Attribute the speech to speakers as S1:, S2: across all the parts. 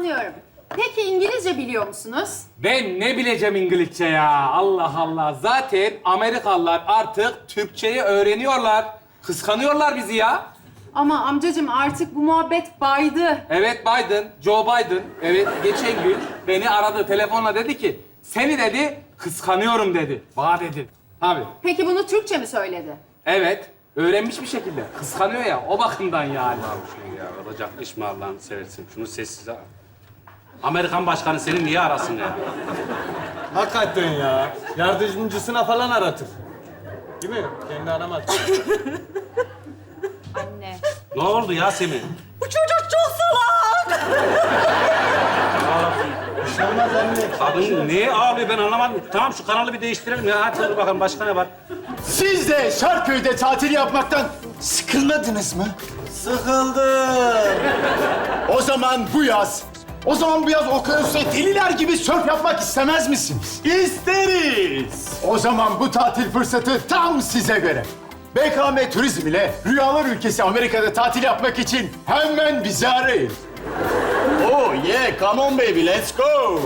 S1: anlıyorum. Peki İngilizce biliyor musunuz?
S2: Ben ne bileceğim İngilizce ya? Allah Allah. Zaten Amerikalılar artık Türkçeyi öğreniyorlar. Kıskanıyorlar bizi ya.
S1: Ama amcacığım artık bu muhabbet baydı.
S2: Evet Biden, Joe Biden. Evet geçen gün beni aradı telefonla dedi ki seni dedi kıskanıyorum dedi. Bana dedi. Abi
S1: Peki bunu Türkçe mi söyledi?
S2: evet öğrenmiş bir şekilde. Kıskanıyor ya o bakımdan yani.
S3: Şunu ya, olacak iş mi Allah'ını seversin? Şunu sessiz al. Amerikan başkanı seni niye arasın ya?
S4: Hakikaten ya. Yardımcısına falan aratır. Değil mi? Kendi aramaz.
S1: Anne.
S3: Ne oldu Yasemin?
S5: Bu çocuk çok salak.
S4: Olmaz anne.
S3: Kadın niye ağlıyor ben anlamadım. Tamam şu kanalı bir değiştirelim ya. Hadi dur bakalım başka ne var?
S6: Siz de Şarköy'de tatil yapmaktan sıkılmadınız mı?
S4: Sıkıldım.
S6: O zaman bu yaz okyanusta deliler gibi sörf yapmak istemez misiniz?
S4: İsteriz.
S6: O zaman bu tatil fırsatı tam size göre. BKM Turizm ile Rüyalar Ülkesi Amerika'da tatil yapmak için hemen bizi arayın.
S4: Oh yeah, come on baby, let's go.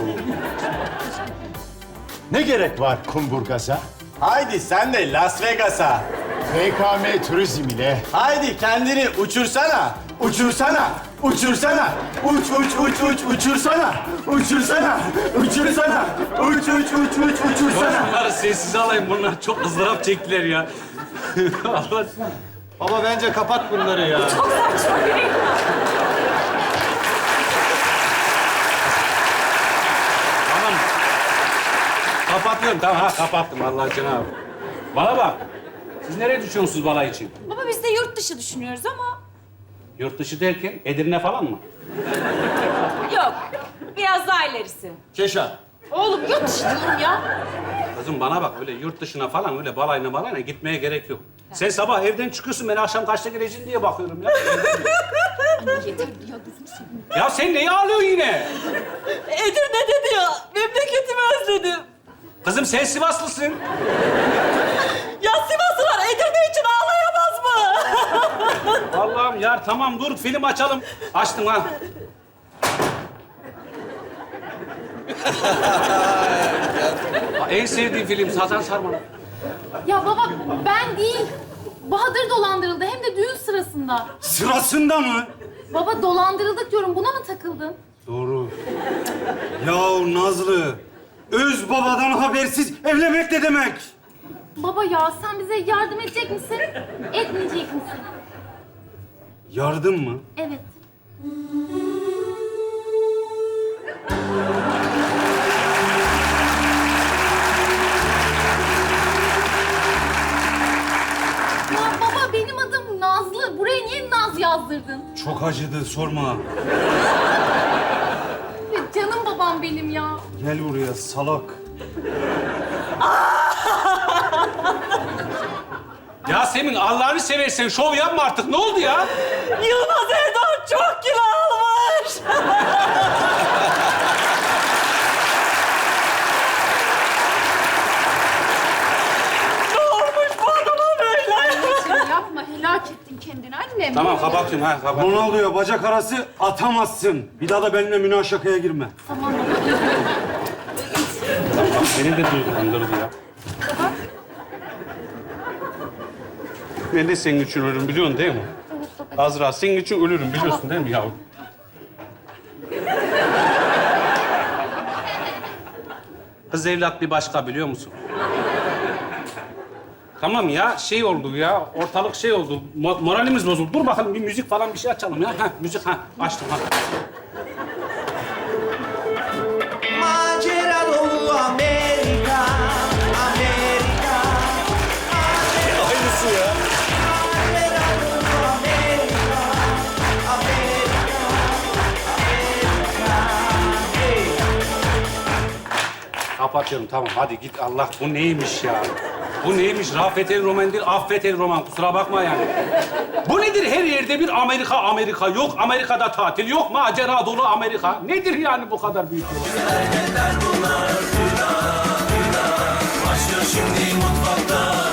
S6: Ne gerek var kumburgaza?
S4: Haydi sen de Las Vegas'a.
S6: BKM Turizm ile
S4: Haydi kendini uçursana. Uçursana. Uçursana. Uçursana. Uçursana. Uçursana. Uçursana.
S3: Bunları sessiz alayım. Bunlar çok ızdırap çektiler ya. Allah.
S4: Baba bence kapat bunları ya.
S3: Tamam. Kapatıyorum. Tamam ha kapattım Allah Cenab-ı. Bana bak. Siz nereye düşüyorsunuz balay için?
S5: Baba biz de yurt dışı düşünüyoruz ama
S3: Yurt dışı derken Edirne falan mı?
S5: yok. Biraz daha ilerisi.
S4: Keşan.
S5: Oğlum yurt dışı diyorum ya.
S3: Kızım bana bak öyle yurt dışına falan öyle balayına gitmeye gerek yok. Sen sabah evden çıkıyorsun ben akşam kaçta geleceğim diye bakıyorum ya.
S5: Yeter ya gözünü seveyim.
S3: Ya sen neyi ağlıyorsun yine?
S5: Edirne dedi ya. Memleketimi özledim.
S3: Kızım sen Sivaslısın.
S5: Ya Sivaslılar Edirne için ağlayamaz mı?
S3: Allah'ım ya tamam dur film açalım. Açtım ha. En sevdiğim film Sazan Sarman.
S1: Ya baba ben değil. Bahadır dolandırıldı hem de düğün sırasında.
S4: Sırasında mı?
S1: Baba dolandırıldık diyorum. Buna mı takıldın?
S4: Doğru. Ya Nazlı, öz babadan habersiz evlenmek ne demek?
S1: Baba ya sen bize yardım edecek misin? Etmeyecek misin?
S4: Yardım mı?
S1: Evet. Ya baba benim adım Nazlı. Buraya niye Naz yazdırdın?
S4: Çok acıdı, sorma.
S1: Ya canım babam benim ya.
S4: Gel buraya salak.
S3: Yasemin Allah'ını seversen şov yapma artık. Ne oldu ya?
S5: Yılmaz Erdoğan çok kilo almış. Ne olmuş bu adama böyle?
S1: Anneciğim yapma. Helak ettin kendini annem.
S3: Tamam kapatıyorum ha kapat.
S4: Ronaldo'ya bacak arası atamazsın. Bir daha da benimle münakaşaya girme.
S1: Tamam baba.
S3: Bak beni de duygulandırdı ya. Ben de senin için ölürüm biliyorsun değil mi? Azra senin için ölürüm biliyorsun değil mi yavrum? Kız evlat bir başka biliyor musun? Tamam ya şey oldu ya ortalık şey oldu moralimiz bozuldu. Dur bakalım bir müzik falan bir şey açalım ya. Ha müzik ha açtım ha.
S7: Macera dolu Amerika, Amerika.
S4: Aynısı ya.
S7: Macera dolu Amerika, Amerika, Amerika. Hey.
S3: Kapatıyorum tamam hadi git Allah bu neymiş ya? Bu neymiş? Rafet el roman değil, affet el roman. Kusura bakma yani. Bu nedir? Her yerde bir Amerika, Amerika. Yok Amerika'da tatil, yok macera dolu Amerika. Nedir yani bu kadar büyük?
S7: Başlıyor şimdi mutfakta.